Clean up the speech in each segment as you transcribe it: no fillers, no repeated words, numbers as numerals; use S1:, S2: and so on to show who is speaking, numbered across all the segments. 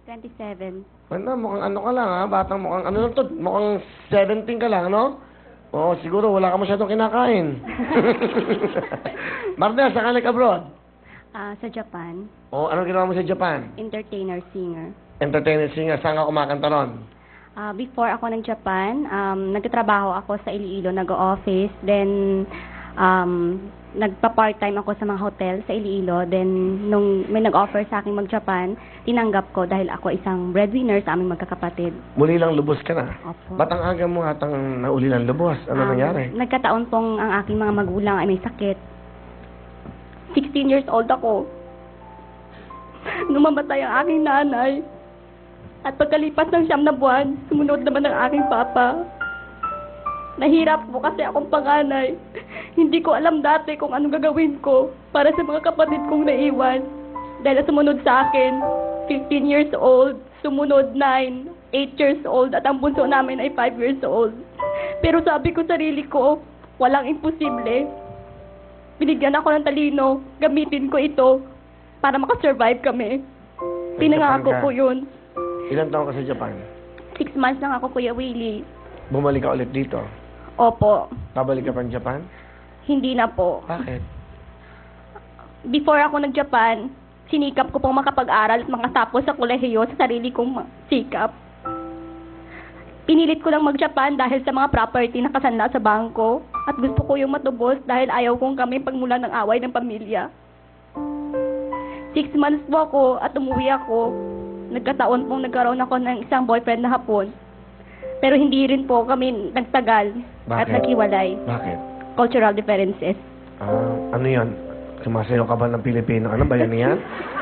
S1: 27.
S2: Ano, mukhang ano ka lang, ha? Batang mukhang ano lang to, mukhang 17 ka lang, no? Oo, siguro wala ka masyadong kinakain. Marnel, saan ka nag-abroad?
S1: Sa Japan,
S2: O, anong ginawa mo sa Japan?
S1: entertainer, singer.
S2: Entertainer singer, saan ka kumakanta ron?
S1: Before ako ng Japan, nagtatrabaho ako sa Iloilo, nag-office. Then, nagpa-part-time ako sa mga hotel sa Iloilo. Then, nung may nag-offer sa akin mag-Japan, tinanggap ko dahil ako isang breadwinner sa aming magkakapatid.
S2: Muli lang lubos ka na.
S1: Opo.
S2: Ba't ang aga mo atang nauli lang lubos? Ano nangyari?
S1: Nagkataon pong ang aking mga magulang ay may sakit. 16 years old ako. Numamatay ang aking nanay. At pagkalipas ng 9 na buwan, sumunod naman ang aking papa. Nahirap po kasi akong panganay. Hindi ko alam dati kung anong gagawin ko para sa mga kapatid kong naiwan. Dahil sumunod sa akin, 15 years old, sumunod 9, 8 years old, at ang bunso namin ay 5 years old. Pero sabi ko sarili ko, walang imposible. Binigyan ako ng talino, gamitin ko ito para makasurvive kami. Pinangako ko yun.
S2: Ilang taon ka sa Japan?
S1: 6 months lang ako, Kuya Willie.
S2: Bumalik ka ulit dito?
S1: Opo.
S2: Babalik ka pa ng Japan?
S1: Hindi na po.
S2: Bakit?
S1: Before ako nag-Japan, sinikap ko pong makapag-aral at makatapos sa kolehiyo sa sarili kong sikap. Pinilit ko lang mag-Japan dahil sa mga property na kasanla sa bangko at gusto ko yung matubos dahil ayaw kong kami pagmula ng away ng pamilya. 6 months po ako at umuwi ako. Nagkataon pong nagkaroon ako ng isang boyfriend na Hapon. Pero hindi rin po kami nagtagal at
S2: Bakit?
S1: naghiwalay.
S2: Bakit?
S1: Cultural differences.
S2: Ano yan? Sumasayo ka ba ng Pilipino? Ano ba yan yan?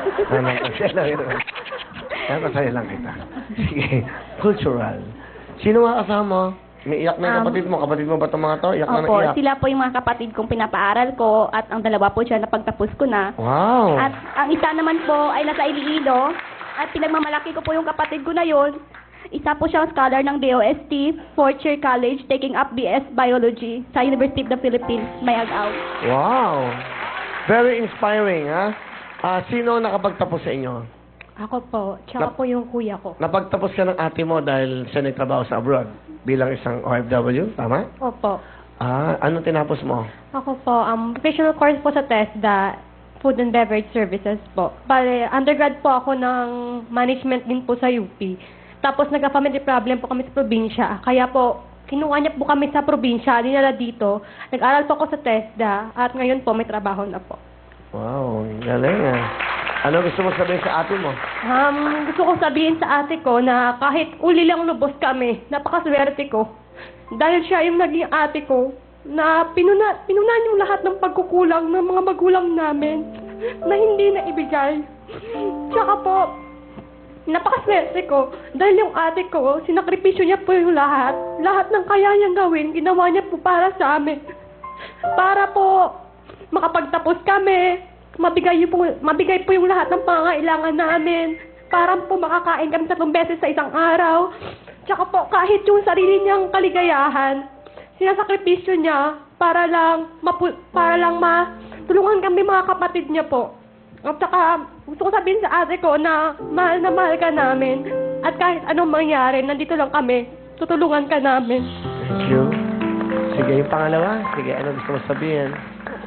S2: Kasaya lang kita. Sige. Cultural. Sino nga kasama? May iyak na yung kapatid mo. Kapatid mo ba itong mga to? Iyak na
S1: Opo,
S2: iyak.
S1: sila po yung mga kapatid kong pinapaaral ko at ang dalawa po siya napagtapos ko na.
S2: Wow.
S1: At ang isa naman po ay nasa Iloilo at pinagmamalaki ko po yung kapatid ko na yon. Isa po siyang scholar ng DOST, 4th year college, taking up BS Biology sa University of the Philippines, Mayagaw.
S2: Wow. Very inspiring, ha? Sino nakapagtapos sa inyo?
S1: Ako po, tsaka po yung kuya ko.
S2: Napagtapos ka ng ate mo dahil siya nagtrabaho sa abroad bilang isang OFW, tama?
S1: Opo.
S2: Ano tinapos mo?
S1: Ako po, professional course po sa TESDA, Food and Beverage Services po. Bale, undergrad po ako ng management din po sa UP. Tapos nagka-family problem po kami sa probinsya. Kaya po, kinuha niya po kami sa probinsya, dinala dito. Nag-aral po ako sa TESDA at ngayon po may trabaho na po.
S2: Wow, galing ah. Ano gusto mo sabihin sa ate mo?
S1: Gusto kong sabihin sa ate ko na kahit uli lang lubos kami, napakaswerte ko. Dahil siya yung naging ate ko na pinunan yung lahat ng pagkukulang ng mga magulang namin na hindi na ibigay. Tsaka po, napakaswerte ko dahil yung ate ko, sinakripisyo niya po yung lahat. Lahat ng kaya niyang gawin, ginawa niya po para sa amin. Para po makapagtapos kami, mabigay po yung lahat ng pangangailangan namin. Para po makakain kami 3 beses sa isang araw. Tsaka po kahit yung sarili niyang kaligayahan, sinasakripisyo niya para lang matulungan kami mga kapatid niya po. At saka, gusto ko sabihin sa ate ko na mahal ka namin. At kahit anong mangyari, nandito lang kami. Tutulungan ka namin.
S2: Thank you. Sige, yung pangalawa. Sige, ano gusto mo sabihin?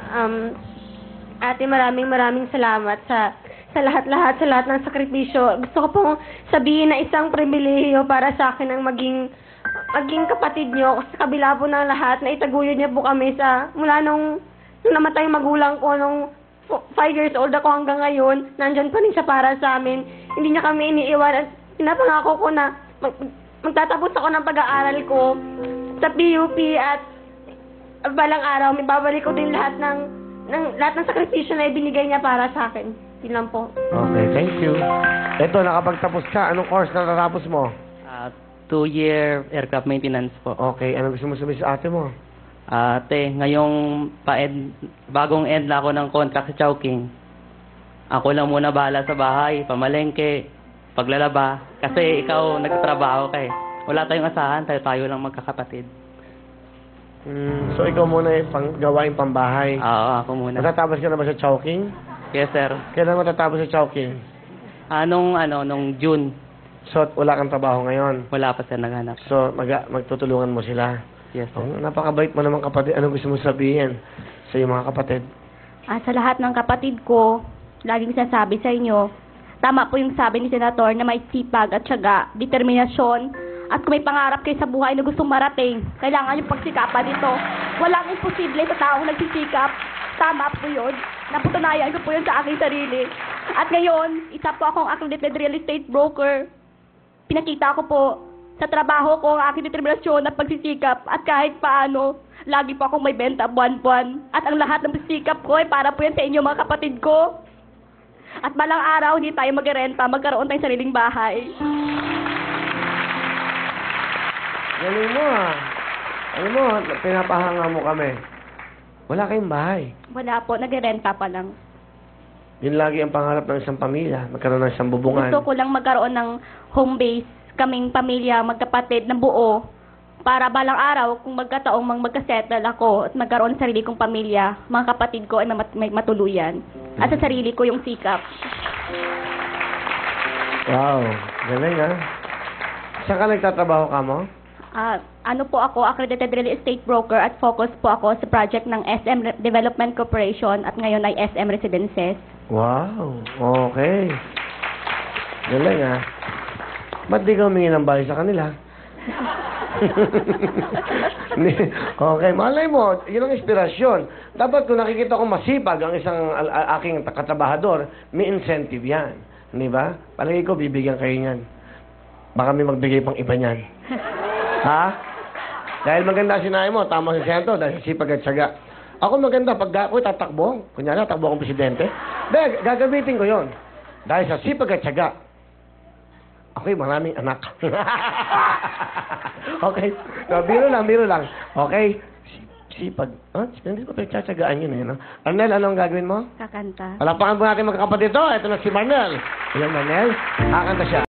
S3: Ate, maraming salamat sa lahat ng sakripisyo. Gusto ko pong sabihin na isang pribilehiyo para sa akin ang maging kapatid niyo. Sa kabila po ng lahat, na itaguyod niya po kami mula nung namatay magulang ko, nung 5 years old ako hanggang ngayon, nandyan pa rin siya para sa amin. Hindi niya kami iniiwan at pinapangako ko na magtatapos ako ng pag-aaral ko sa PUP at balang araw, may babalik ko din lahat ng sakripisyo na ibinigay niya para sa akin. Yun lang po.
S2: Okay, thank you. Ito, nakapagtapos ka. Anong course na natapos mo?
S4: 2-year aircraft maintenance po.
S2: Okay, ano gusto mo sabihin sa ate mo?
S4: Ate, ngayong bagong end na ako ng contract sa Chowking. Ako lang muna bahala sa bahay, pamalengke, paglalaba. Kasi ikaw nagtatrabaho ka eh. Wala tayong asahan, tayo lang magkakapatid.
S2: So, ikaw muna yung gawain pambahay.
S4: Oo, ako muna.
S2: Matatapos ka na ba sa Chowking?
S4: Yes, sir.
S2: Kailan matatapos sa Chowking?
S4: Nung June.
S2: So, wala kang trabaho ngayon.
S4: Wala pa sir naghanap.
S2: So, magtutulungan mo sila.
S4: Yes sir.
S2: Oh, napakabait mo naman kapatid. Ano gusto mo sabihin sa iyong mga kapatid?
S5: Sa lahat ng kapatid ko, laging sasabi sa inyo, tama po yung sabi ni Senator na may sipag at syaga, determinasyon, at kung may pangarap kayo sa buhay na gustong marating, kailangan yung pagsikapan nito. Walang imposible sa taong nagsisikap. Tama po yun. Napatunayan ko po yun sa aking sarili. At ngayon, isa po akong accredited real estate broker. Pinakita ko po sa trabaho ko ang aking determinasyon at pagsisikap at kahit paano, lagi po akong may benta buwan-buwan. At ang lahat ng pagsisikap ko ay para po yan sa inyo mga kapatid ko. At balang araw, hindi tayo magrenta, magkaroon tayong sariling bahay.
S2: Galing mo ah. Alam mo, pinapahanga mo kami. Wala kayong bahay.
S5: Wala po, nagrenta pa lang.
S2: Yun lagi ang pangarap ng isang pamilya. Magkaroon ng isang bubungan.
S5: Gusto ko lang magkaroon ng home base, kaming pamilya, magkapatid na buo, para balang araw, kung magkataong magkasettle ako at magkaroon ng sarili kong pamilya, mga kapatid ko ay may matuluyan. At sa sarili ko yung sikap.
S2: Wow. Galing ah. Saan ka nagtatrabaho ka mo?
S5: Ano po ako, accredited real estate broker at focus po ako sa project ng SM Development Corporation at ngayon ay SM Residences.
S2: Wow. Okay. Galing ah. Ba't di ka humingi ng bahay sa kanila? Okay, malay mo, yun ang inspirasyon. Dapat kung nakikita ko masipag ang isang aking katrabahador, may incentive yan. Di ba? Palagi ko, bibigyan kayo niyan. Baka may magbigay pang iba niyan. Ha? Dahil maganda sinabi mo, tama si Sento, dahil sipag at syaga. Ako maganda, pag ako'y tatakbo, kunyari, tatakbo akong presidente, dahil gagamitin ko yon. Dahil sa sipag at syaga, ako'y maraming anak. Okay? No, biro lang. Okay? Sipag. Hindi ko pinagtsatsagaan yun eh. No? Arnel, anong gagawin mo?
S5: Kakanta.
S2: Palapakan po natin magkakapatid ito. Ito na si Marnel. Ilan, Marnel? Kakanta siya.